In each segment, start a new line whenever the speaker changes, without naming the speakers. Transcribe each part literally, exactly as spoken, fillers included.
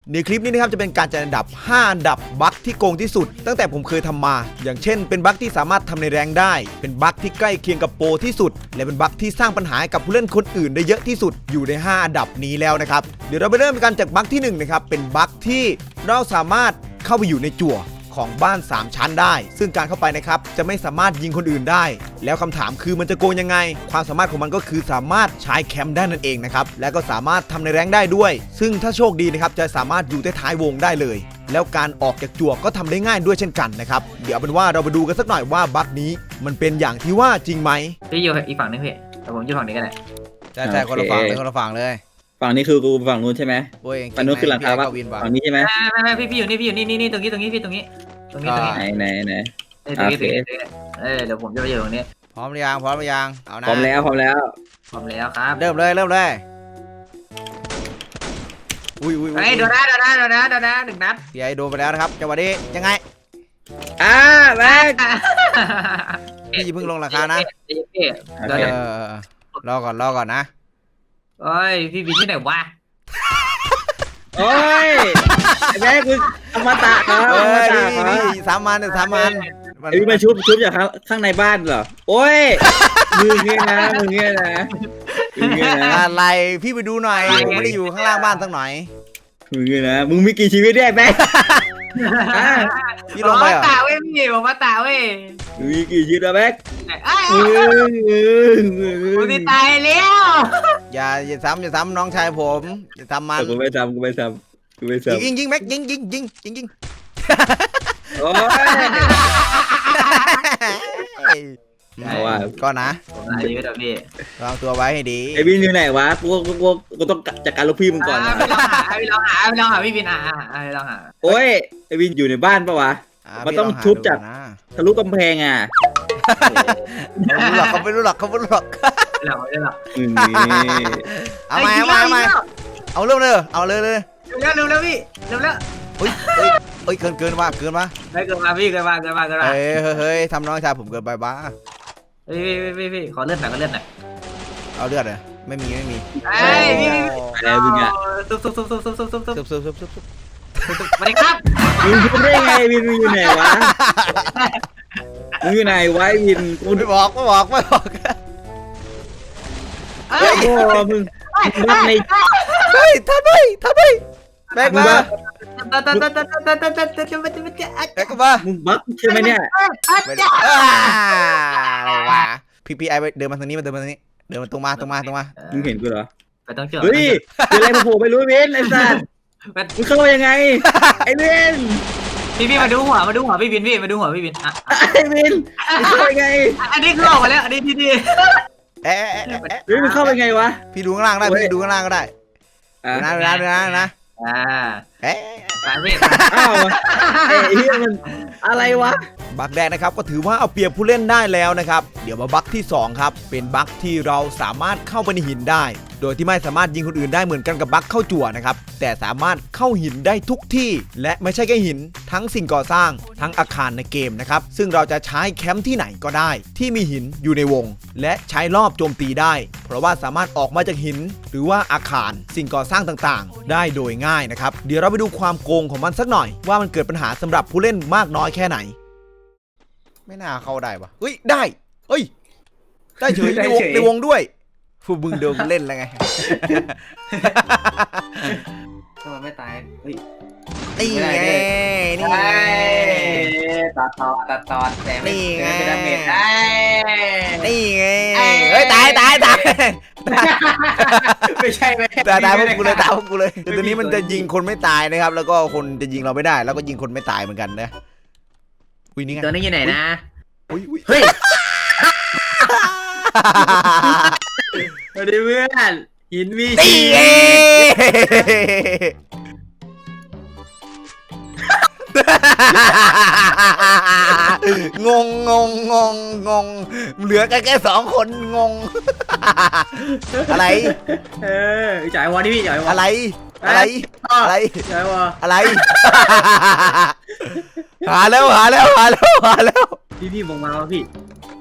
ในคลิปนี้นะครับจะเป็นการจัดอันดับห้าอันดับบั๊กที่โกงที่สุดตั้งแต่ผมเคยทำมาอย่างเช่นเป็นบั๊กที่สามารถทำในแรงได้เป็นบั๊กที่ใกล้เคียงกับโปรที่สุดและเป็นบั๊กที่สร้างปัญหาให้กับผู้เล่นคนอื่นได้เยอะที่สุดอยู่ในห้าอันดับนี้แล้วนะครับเดี๋ยวเราไปเริ่มกันจากบั๊กที่หนึ่งนะครับเป็นบั๊กที่เราสามารถเข้าไปอยู่ในจั่วของบ้านสามชั้นได้ซึ่งการเข้าไปนะครับจะไม่สามารถยิงคนอื่นได้แล้วคำถามคือมันจะโกงยังไงความสามารถของมันก็คือสามารถใช้แคมป์ได้นั่นเองนะครับและก็สามารถทำในแรงได้ด้วยซึ่งถ้าโชคดีนะครับจะสามารถอยู่ใต้ท้ายวงได้เลยแล้วการออกจากจั่วก็ทำได้ง่ายด้วยเช่นกันนะครับเดี๋ยวเป็นว่าเราไปดูกันสักหน่อยว่าบั๊กนี้มันเป็นอย่างที่ว่าจริงไหม
พี่อยู่อีกฝั่งนึงพี่แต่ผมอยู่ฝั่งนี้ก็ได้
ใช่ใช่คนละฝั่งเลยคนละฝั่งเลย
ฝั่งนี้คือกูฝั่งนู้นใช่ไหมฝั่งนู้นคือหลังคาฝั่งนี้ใช่ไหม
ไม่ไม่พี่พี่อยู่นี่พี่อยู่นี่นี่นี่ตรงนี้ตรงนี้พี่ตรงนี้ตรงนี้ตรงนี้
ไหนไหนไหน
ตรงนี้ตรงนี้เออเดี๋ยวผมจะไปอยู่ตรงนี้
พร้อมหรือยังพร้อมหรือยังเอานะ
พร้อมแล้วพร้อมแล้ว
พร้อมแล้วครับ
เริ่มเลยเริ่มเลยอุ้ยอุ้ย
ไอ้โดนนะโดนนะโดนนะโดนนะหนึ่งนัด
พี่ไอโดนไปแล้วนะครับจังหวะนี้ยังไง
อ่าแม็ก
พี่อย่าเพิ่งลงราคานะ
เดี๋ยว
รอก่อนรอก่อนนะ
โอ้ยพี่บินที่ไหนวะ
โอ้ยแม็กกูอมตะครับอมตะ
นี่สามมันสามมัน
ไอ้มาชุบชุบจากข้างในบ้านเหรอโอ้ยมือเงี้ยนะมือเงี้ยนะ
อะไรพี่ไปดูหน่อยผมไม่ได้อยู่ข้างล่างบ้านสักหน่อย
มือเงี้ยนะมึงมีกี่ชีวิตได้แม็ก
พี่ลงไปเหรอ
ตาเว้ยพี่ผมมาตาเว้ย
มีกี่ชีวิตอะแม็ก
กูจะตายแล้ว
อย่าอย่าซ้ำอย่าซ้ำน้องชายผมอย่าซ้ำมัน
กูไม่ซ้ำกูไม่ซ้ำกูไม่ซ้ำ
ยิงยิงแม็กยิงยิงยิงยิงยิง
โอ้ยเอาว่ะ
ก็นะ
ผมอายุเท่าพี่
วางตัวไว้ให้ดี
ไอ้บินอยู่ไหนวะกูกูกูกูต้องจัดการลูกพี่มึงก่อนนะ
ไปลองหาไปลองหาไปลองหาพี่บินอ่ะไปลองหา
โอ้ยไอ้บินอยู่ในบ้านปะวะมันต้องทุบจากทะลุกำแพงอ่ะ
เขาไม่รู้หรอกเขาไม่รู้หรอก
ไม่หรอกไม่หรอก
เอาใหม่เอาใหม่เอาใหม่เอาเริ่มเลยเอาเลยเลย
เร็วเร็วเร็วพี่เร็วเร็ว
เฮ้ยเฮ้ยเกินเกินมาเกินมา
ไม่เกินมาพี่เกินมาเกินมาเกินมา
เฮ้ยเฮ้ยทำน้องชายผมเกินไปบ้า
เฮ้ยพี่พี่พี่ขอเลือดหน่อยขอเลือดหน่อย
เอาเลือดเลยไม่มีไม่มี
ไอ้พี่พี่
อะไรมึงอ่ะ
ซุบซุบซุบซุบซุบซุบซุบซุบ
ซุบซุบซุบซุบ
สวัสดีครับ
มึงพูดได้ไงวินมึงอยู่ไหนวะมึงอยู่ไหนวะวิน
กูไม่บอกไม่บอกไม่บอก
เฮ้ยมึงมึงใน
เฮ้ยทำไมทำไมแบกมา
แบก
มา
มึงบักใช่ไหมเนี่ย
อะไรวะพี่พี่ไอเดินมาทางนี้มาเดินมาทางนี้เดินมาตรงมาตรงมาตรงมา
มึงเห็นกูเหรอ
ไปต้องเจอ
เฮ้ยอะไรมาโผล่ไม่รู้เว้นไอ้สัสมึงเข้ามายังไงไอ้เว้น
พี่พี่มาดูหัวมาดูหัวพี่บินพี่มาดูหัวพี่บินอ่ะ
ไอ้เว้นมึงเข้าไปไง
อันนี้คือออกมาแล้วอันนี้ดีดี
เอ๊ะ
เฮ้ยมึงเข้าไปไงวะ
พี่ดูข้างล่างได้พี่ดูข้างล่างก็ได้นะนะนะนะ
อ่า
เอ๊ะ
ไปพี่
อ้าวไอ้เหี้ยมันอะไรวะ
บั๊กแรกนะครับก็ถือว่าเอาเปรียบผู้เล่นได้แล้วนะครับเดี๋ยวมาบั๊กที่สองครับเป็นบั๊กที่เราสามารถเข้าไปในหินได้โดยที่ไม่สามารถยิงคนอื่นได้เหมือนกันกับบั๊กเข้าจั่วนะครับแต่สามารถเข้าหินได้ทุกที่และไม่ใช่แค่หินทั้งสิ่งก่อสร้างทั้งอาคารในเกมนะครับซึ่งเราจะใช้แคมป์ที่ไหนก็ได้ที่มีหินอยู่ในวงและใช้รอบโจมตีได้เพราะว่าสามารถออกมาจากหินหรือว่าอาคารสิ่งก่อสร้างต่างๆได้โดยง่ายนะครับเดี๋ยวเราไปดูความโกงของมันสักหน่อยว่ามันเกิดปัญหาสำหรับผู้เล่นมากน้อยแค่ไหนไม่น่าเข้าได้ปะเฮ้ยได้เฮ้ยได้เฉยในวงในวงด้วยฟูบึงเดิมเล่นแล้วไง
ทำไมไม่ตายเฮ้ย
นี่ไงนี่ไง
ตัดตอนตัดตอนแต่ไม่ไม่ได้เมทได้
นี่ไงเฮ้ยตายตายตาย
ไม่ใช่ไหม
ตายตายพวกกูเลยตายพวกกูเลยแต่ตัวนี้มันจะยิงคนไม่ตายนะครับแล้วก็คนจะยิงเราไม่ได้แล้วก็ยิงคนไม่ตายเหมือนกันนะอุ้ยนี่ไง
ตัวนี้อยู่ไหนนะ
อุ้ยอุ้ย
เฮ้ยสวัสดีเพื่อนหินมีชี
งงงงงงงงเหลือแค่แค่สองคนงงอะไร
เออจ่ายวอนี่พี่จ่ายวอ
อะไรอะไรอะไร
จ่ายวอ
อะไรหาแล้วหาแล้วหาแล้วหาแล้ว
พี่พี่มองมาแล้วพี่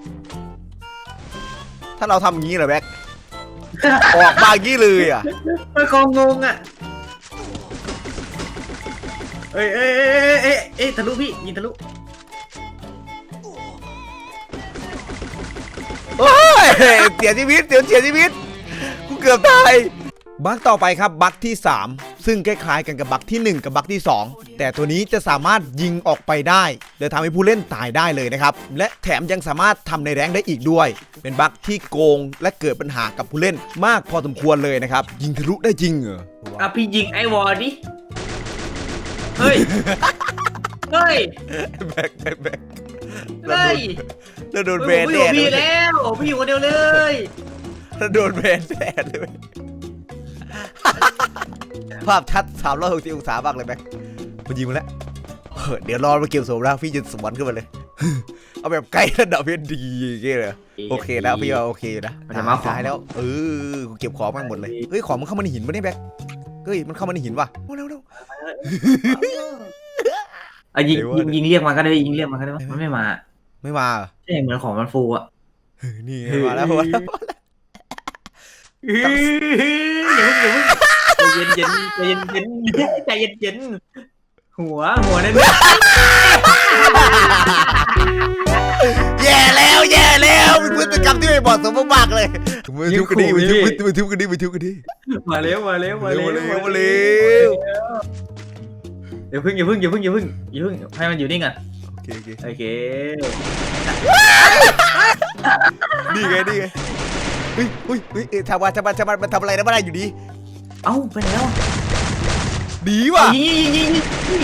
ถ้าเราทำงี้เหรอแบ็คออกมางี้เลยอ่ะ
มันคงงงอ่ะเอ้ยเอ้ยเอ้ยเอ้ยเอ้ยทะลุพี่ยิงทะลุ
โอ้ยเสียชีวิตเสียเสียชีวิตกูเกือบตายบั๊กต่อไปครับบั๊กที่สามซึ่งคล้ายๆกันกับบั๊กที่หนึ่งกับบั๊กที่สองแต่ตัวนี้จะสามารถยิงออกไปได้โดยทำให้ผู้เล่นตายได้เลยนะครับและแถมยังสามารถทำในแรงค์ได้อีกด้วยเป็นบั๊กที่โกงและเกิดปัญหากับผู้เล่นมากพอสมควรเลยนะครับยิงทะลุได้จริงเหรอ
อ่ะพี่ยิงไอ้วอร์ดิเฮ้ยเฮ้ย
แบกแบกแบก
เฮ้ย
แล้วโดน
เฮ้
แบ
ย
น
ผมอ
แด
ยู่
ด
พี่แล้วพี่อยู่คนเดียวเลย
แล้วโดนแบนแดดเลยภาพชัดสามร้อยหกสิบองศาบ้างเลยแบกมันยิงมาแล้วเดี๋ยวรอมาเก็บสมรักพี่จะสวนขึ้นมาเลยเอาแบบใกล้ระดับเพชรดีอย่างเงี้ยเลยโอเคนะพี่ว่าโอเคนะตายแล้วเออกูเก็บของมันหมดเลยเฮ้ยของมันเข้ามาในหินปะเนี่ยแบกเฮ้ยมันเข้ามาในหินว่ะเร็วเร็ว
อ่ะยิงยิงยิงเรียกมันก็ได้ยิงเรียกมันก็ได้มันไม่มา
ไม่มา
ใช่เหมือนของมันฟูอ่ะ
นี่มาแล้วมาแล้ว
อย่าเพิ่งอย่าเพิ่งใจเย็นเย็นใจเย็นเย็นหัวหัวนั่น
แย่แล้วแย่แล้วเป็นพฤติกรรมที่ไม่เหมาะสมมากๆเลยมือทุบกันดิมือทุบมือทุบกันดิมือทุบกันดิ
มาเร็วมาเร็วมาเร็ว
มาเร็วมาเร็ว
เดี๋ยวพึ่งอย่าพึ่งอย่าพึ่งอย่าพึ่งอย่าพึ่งให้มันอยู่นิ่งอ่ะ
โอเคโอเค
โอเค
นี่ไงนี่ไงเฮ้ยเฮ้ยเฮ้ยทำว่าทำว่าทำว่ามันทำอะไรนะไม่ได้อยู่ดี
เอ้าไปแล้ว
ดีว่ะ
ยิงยิงยิงยิง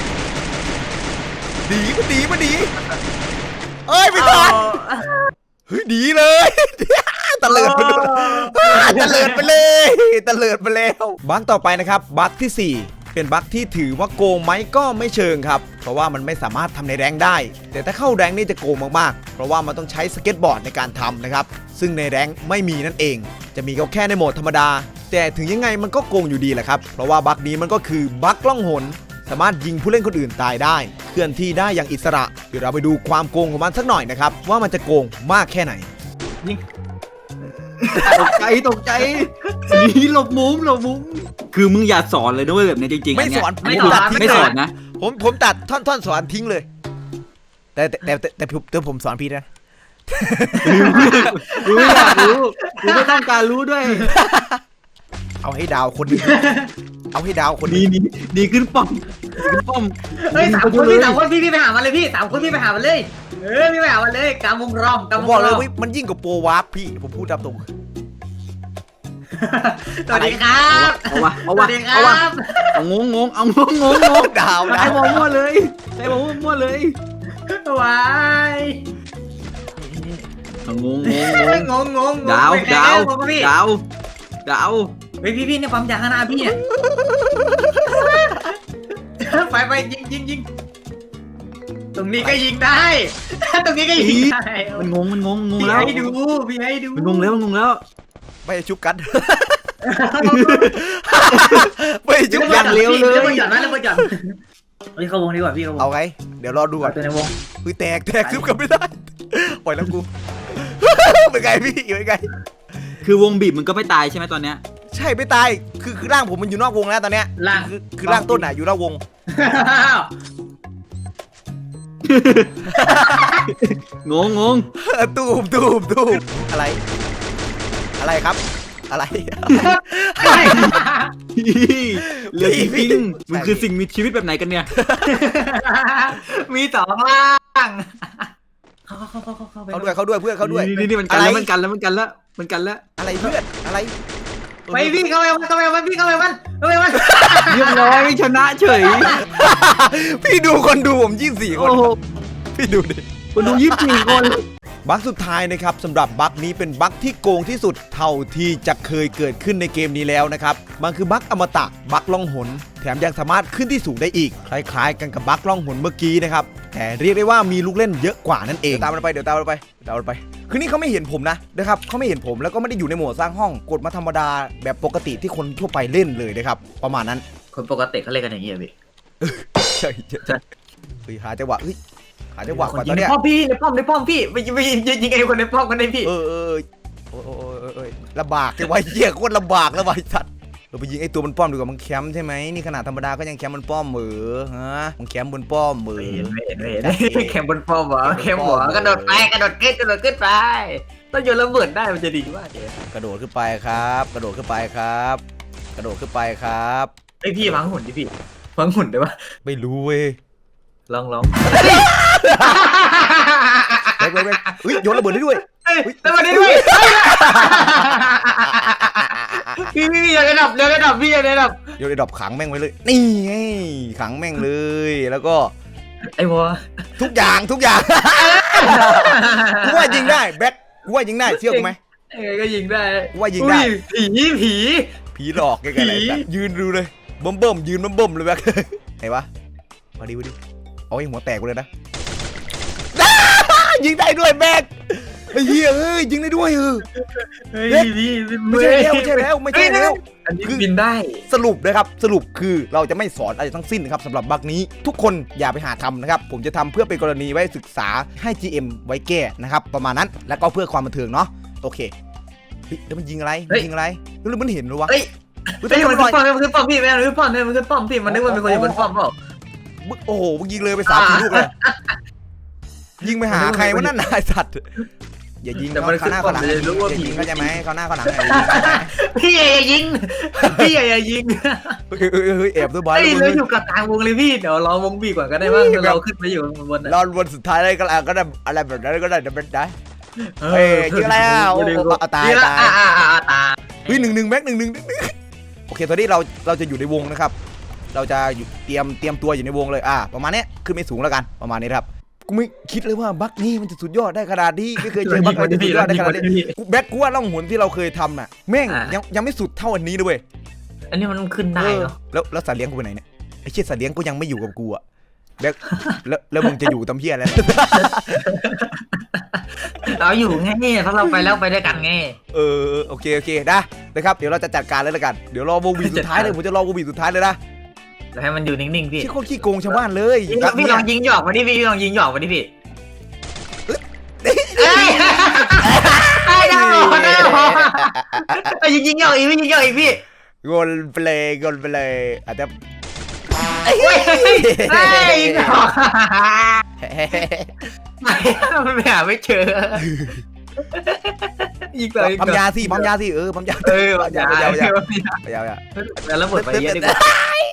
ดีมันดีมันดีเอ้ยไม่ทันเฮ้ยดีเลยตะเลิดไปเลยตะเลิดไปเลยตะเลิดไปแล้วบั๊กต่อไปนะครับบั๊กที่สี่เป็นบั๊กที่ถือว่าโกงไหมก็ไม่เชิงครับเพราะว่ามันไม่สามารถทำในแรงค์ได้ แต่ถ้าเข้าแรงค์นี่จะโกงมากๆเพราะว่ามันต้องใช้สเก็ตบอร์ดในการทำนะครับซึ่งในแรงค์ไม่มีนั่นเองจะมีก็แค่ในโหมดธรรมดาแต่ถึงยังไงมันก็โกงอยู่ดีแหละครับเพราะว่าบั๊กนี้มันก็คือบั๊กล่องหนสามารถยิงผู้เล่นคนอื่นตายได้เคลื่อนที่ได้อย่างอิสระเดี๋ยวเราไปดูความโกงของมันสักหน่อยนะครับว่ามันจะโกงมากแค่ไหน
ตกใจตกใจหนีหลบมุมหลบมุมคือมึงอย่าสอนเลยนะเว้ยแบบนี้จริงๆ
ไม่สอน
ไม่
ผม
ส
ตั
อ
ด
น
ทิ้ง
ไม่สอนนะ
ผมผมตัดท่อนท่อนสอนทิ้งเลย แต่แต่แต่แต่แต่ผมแต่ผมสอนพี่นะ
กูไม่อยากรู้กูไม่ต้องการรู้ด้วย
เอาให้ดาวคนหนึงเอาให้ดาวคนหนึ
ดี
ง
ดีดีขึ้นป้อมดีขึ้นป้อม
เฮ้ยสามคนพี่สามคนพี่พี่ไปหามันเลยพี่สามคนพี่ไปหามันเลยเออพี่ไปหามันเลยกำวงรอม
ผม
กำวง
บอก
ร
เล
อย ม
ว่ามันยิ่งกว่าโปรวาร์ปพี่ผมพูดตามตรง
สวัสดีครับ
เอาวะเอา
ส
วะ
วัสดีค
เอาวะ
รับ
เอางงงงเอางงงงงง
ดาวดา
ใช้
ว
บอลมั่วเลยใช้บอลมั่วเลย
วาย
เอางงงงง
งงงง
ดาว
ไม่แพ้
ดาว
ผมพี่
ดาวดาว
เฮ้ยพี่พี่เนี่ยปั๊มยาข้างหน้าพี่เนี่ยไปไปยิงยิงยิงตรงนี้ก็ยิงได้ตรงนี้ก็ยิงได้
มันงงมันงงงง
พี่
แล้ว
ให้ดูพี่ให้ดู
มันงงแล้วมันงงแล้ว
ไม่ให้ชุบกัน ไม่ให้ชุบ
เร็
กั
วน เร็วเลยเร็วหย่อนนะเร็วหย่อนเฮ้ยเข้าวงดีกว่าพี่เข้าวง
เอาไงเดี๋ยวรอดูก่อน
ตัวในวง
อุ้ยแตกแตกชุบกันไม่ได้ปล่อยแล้วกู เป็นไงพี่เป็นไง
คือวงบีบมันก็ไม่ตายใช่ไหมตอนเนี้ย
ใช่ไม่ตายคือคือร่างผมมันอยู่นอกวงแล้วตอนเนี้ย
ล่าง
คือคือร่างต้นอ่ะอยู่นอกวง
งงงง
ตูมตูมตูมอะไร อะไรครับ อะไร
เหลือจริงๆมันคือสิ่งมีชีวิตแบบไหนกันเนี่ย
มีสองล่างเข้าเข้าเข้าเข้าเข้าไป
เขาด้วยเขาด้วยเพื่อนเขาด้วย
นี่นี่มันกันแล้วมันกันแล้วมันกันแล้วมันกันแล้ว
อะไรเพื่อนอะไร
ไปพี่เข้าไปมันเข้าไปมันพี่เข้าไปมันเข้าไปมัน
เรียบร้อยชนะเฉย
พี่ดูคนดูผมยี่สิบสี่คน
โอ้โห
พี่ดูดิ
คนดูยี่สิบสี่คน
บั๊กสุดท้ายนะครับสำหรับบั๊กนี้เป็นบั๊กที่โกงที่สุดเท่าที่จะเคยเกิดขึ้นในเกมนี้แล้วนะครับมันคือบั๊กอมตะบั๊กล่องหนแถมยังสามารถขึ้นที่สูงได้อีกคล้ายๆกันกับบั๊กล่องหนเมื่อกี้นะครับแต่เรียกได้ว่ามีลูกเล่นเยอะกว่านั่นเองตามมันไปเดี๋ยวตามมันไปเดี๋ยวตามมันไปคือนี่เขาไม่เห็นผมนะนะครับเขาไม่เห็นผมแล้วก็ไม่ได้อยู่ในโหมดสร้างห้องกดมาธรรมดาแบบปกติที่คนทั่วไปเล่นเลยนะครับประมาณนั้น
คนปกติเขาเล่นกันอย่างนี้อ่ะพี่
ใช่ใช่ใช่เฮ้ยหาจังหวะเฮ้ยหาจังหวะก่อนตอน
ใน
เนี้ย
ป้อมพี่ในป้อมในป้อมพี่ไปไปยิงยิงไอ้คนในป้อมกันได้พี่
เออเออโอ้ยโอ้ยโอ้ยลำบากจังวะเหี้ยโคตรลำบากแล้ววะไอ้สัตว์เราไปยิงไอ้ตัวบนป้อมดีกว่ามันแคมป์ใช่ไหมนี่ขนาดธรรมดาก็ยังแคมป์บนป้อมเหมือฮะมันแคมป์บนป้อมเหมือ
ไม่เห็นไม่เห็นไม่เห็นแคมบนฟอร์มเหรอแคมหัวกระโดดไปกระโดดขึ้นกระโดดขึ้นไปต้องโยนระเบิดได้มันจะดีมากเลย
กระโดดขึ้นไปครับ กระโดดขึ้นไปครับ กระโดดขึ้นไปครับ
ไอพี่วางหุ่นดิพี่วางหุ่นได้ปะ
ไม่รู้เว้ย
ลองลอง
เว้ยเว้ยเว้ยเฮ้ยโยนระเบิดได้ด้วย
เฮ้ยแล้วมาได้ด้วยพี่พี่พี่อย่าได้ดับอย่าได้ดับพี่อย่าได้ดับ
โยนไอ้ดอกขังแม่งไว้เลย นี่ไงขังแม่งเลย แล้วก็
ไอ้วอ
ทุกอย่างทุกอย่าง กูว่ายิงได้แบ็คกูว่ายิงได้เชื่อกูไหม
เออก็ยิงได้
กูว่ายิงได้
ผีผี
ผีหลอกแกๆอะไร
ผี
แบบยืนดูเลยเบิ่มเบิ่มๆยืนเบิ่มเบิ่มๆเลยแบ็ค ไหนวะมาดิมาดิเอาไอ้หัวแตกกูเลยนะ ยิงได้ด้วยแบ็คไอ้เหี้ยเอ้ยยิงได้ด้วยเออ
เฮ้ยพี่
ไม่ใช่แล้วไม่ใช่แล้วไม่ใช่แล้ว
อันนี้บินได้
สรุปนะครับสรุปคือเราจะไม่สอนอะไรทั้งสิ้นนะครับสำหรับบั๊กนี้ทุกคนอย่าไปหาทำนะครับผมจะทำเพื่อเป็นกรณีไว้ศึกษาให้ จี เอ็ม ไว้แก้นะครับประมาณนั้นแล้วก็เพื่อความบันเทิงเนาะโอเคเฮ้ยแล้วมันยิงอะไรมันยิงอะไรแล้วมันเห็นหรือวะ
เฮ้ย
เฮ้ย
เฮ้ย
ทำไม
มัน
มัน
ขึ้
ล
น
อย
ป้อมมันขึ้นป้อมพี่แม่มันขึ้นป้อมเนี่ยมันขึ้นป้อมพี่มันนึกว่าเป็นคนอยู่บนป้อมเปล่า
มึงโอ้โหมึงยิงเลยไปสามสี่ลูกเลยยิงไปหาใครวะนั่นนายสัตว์อย่ายิง
แต่
เขา
มัน
เขาหน้าเขาหลัง
ขึ้นป้อมจะรู้ว่า
อย่า
ผี
ยิงเขาใจไหมเขาหน้าเขาหลัง
พี่อย่ายิงพี่อย่ายิง
เฮ้ยเฮ้ยเฮ้ยแอบด้วยบอล
เฮ้ยเราอยู่กับกลางวงเลยพี่เดี๋ยวรอวงบีก่อนก็ได้บ้างเราขึ้นไปอยู่บน
รอวันสุดท้ายเลยก็แล้วก็ได้อะไรแบบนั้นก็ได้เดี๋ยวเป็นได้ เฮ้ยยิงอะไรอ่ะโอ้โหตายตาย
อ่าอ่าตาย
เฮ้ยหนึ่งหนึ่งแม็กหนึ่งหนึ่งโอเคตอนนี้เราเราจะอยู่ในวงนะครับ เราจะอยู่เตรียมเตรียมตัวอยู่ในวงเลยอ่าประมาณนี้ขึ้นไม่สูงแล้วกันประมาณนี้ครับกูไม่คิดเลยว่าบั๊กนี้มันจะสุดยอดได้ขนาดนี้ไม่เคยเจอบั๊กอะไรที่สุดยอดได้ขนาดนี้กูแบ็คกูว่าล่องหนที่เราเคยทำน่ะแม่งยังยังไม่สุดเท่าอันนี้ด้วย
อันนี้มันขึ้นได้เนาะ
แล้วแล้วสัตว์เลี้ยงกูไปไหนเนี่ยไอ้เชี่ยสัตว์เลี้ยงกูยังไม่อยู่กับกูอ่ะแบ็คแล้วแล้วมึงจะอยู่ตำเพี้ยอะไร
เราอยู่ไงเพราะเราไปแล้วไปด้วยกันไง
เออโอเคโอเคได้นะครับเดี๋ยวเราจะจัดการเลยละกันเดี๋ยวรอวงวีสุดท้ายเลยผมจะรอวงวีสุดท้ายเลยนะ
แล้วให้มันอยู่นิ่งๆพี่
ที่โคตรขี้โกงชาวบ้านเลย
พี่ลองพี่ลองยิงหยอกมาดิพี่ลองยิงหยอกมาดิพี่ไอ้ดาวดาวยิงยิงหยอกอีกพี่ยิงหยอกอีกพี่
โกนไปเลยโกนไปเลยอาจจะ
ไอ้ยิงหยอกไม่ไม่หาไม่เจอยิงเลย
ปั๊มยาสิปั๊มยาสิเออปั๊มยา
เออ
ปั๊มยาปั๊มยาปั๊มยาปั๊มยา
แล้วหมดไปเยอะดีกว่า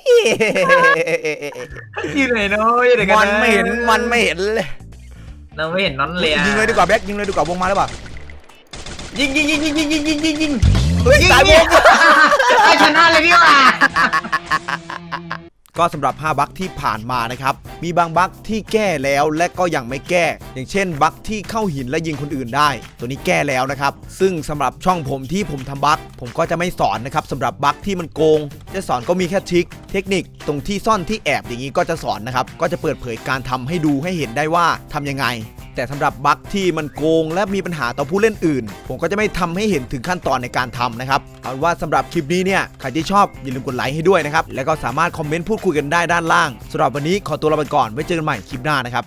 อยู่ไหนเนาะอยู่ไหนกัน
มันไม่เห็นมันไม่เห็นเลย
เราไม่เห็นน้อนเลย
ยิงเลยดีกว่าแบ็คยิงเลยดีกว่าวงมาแล้วป่ะ
ยิงยิงยิงยิงยิงยิงยิงยิงยิง
เฮ้ยตายวง
ไอ้ชนะเลยพี่ว่า
ก็สำหรับห้าบั๊กที่ผ่านมานะครับมีบางบั๊กที่แก้แล้วและก็ยังไม่แก้ อย่างเช่นบั๊กที่เข้าหินและยิงคนอื่นได้ ตัวนี้แก้แล้วนะครับซึ่งสำหรับช่องผมที่ผมทำบั๊กผมก็จะไม่สอนนะครับสำหรับบั๊กที่มันโกงจะสอนก็มีแค่ทริคเทคนิคตรงที่ซ่อนที่แอบอย่างนี้ก็จะสอนนะครับก็จะเปิดเผยการทำให้ดูให้เห็นได้ว่าทำยังไงแต่สำหรับบั๊กที่มันโกงและมีปัญหาต่อผู้เล่นอื่นผมก็จะไม่ทำให้เห็นถึงขั้นตอนในการทำนะครับเอาว่าสำหรับคลิปนี้เนี่ยใครที่ชอบอย่าลืมกดไลค์ให้ด้วยนะครับแล้วก็สามารถคอมเมนต์พูดคุยกันได้ด้านล่างสำหรับวันนี้ขอตัวลาไปก่อนไว้เจอกันใหม่คลิปหน้านะครับ